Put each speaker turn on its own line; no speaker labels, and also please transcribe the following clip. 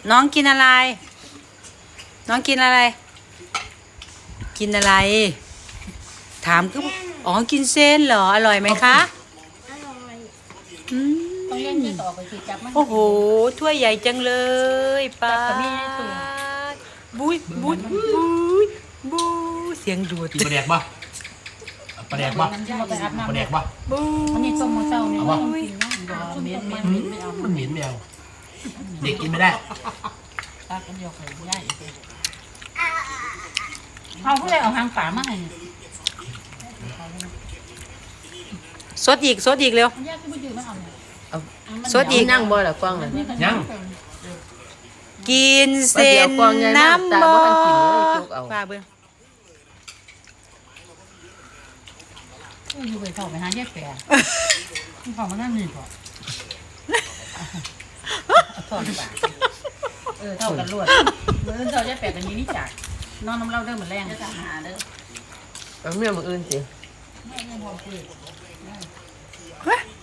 น้องกินอะไรน้องกินอะไรกินอะไรถามก็อ๋อกินเส้นเหรออร่อยไหมคะ
อร่อย
อื
ต้องเล่นเยอะต่อไปสิจับมัน
โอ้โหถ้วยใหญ่จังเลยป้าบุ้ยบุ้ยบุ้ยบุ้ยเสียงดูด
กินปลาแดกปะปลาแดกปะ
ไปอาบน้ำ
ปลาแดกปะ
บุ้
อันนี้ต้มมาเศร้าเนี่ย
เอา
ต้
ปะ
องกินนะเม็ดไม่เอา
มันเหม็นแมวเด็กกินไม่ได้
ตากันเดียวไข่ย่ายเอาผู้ใดเอาหางป่ามาให้
สดอีกสดอีกเร็ว
ย่าที่ไม่ยืมไม่เอา
สดอีก
นั่งบ่ล่ะกว้างน่ะ
ยัง
กินเส้นน้ำบ่ป้าเบิ้ง
อยู่ไปเข้าไปหาแยกแปรเข้ามานั่นนี่ก่อนถอดปากเท่ากันรวดเมื่อเท่าแยกแปรกันนี้นี่จากนอนน้ำเล่าเด้อเหมือนแรงจะหาเด้อ
เอาเมียมื้ออื่นสิ
แม่ยังพอคุย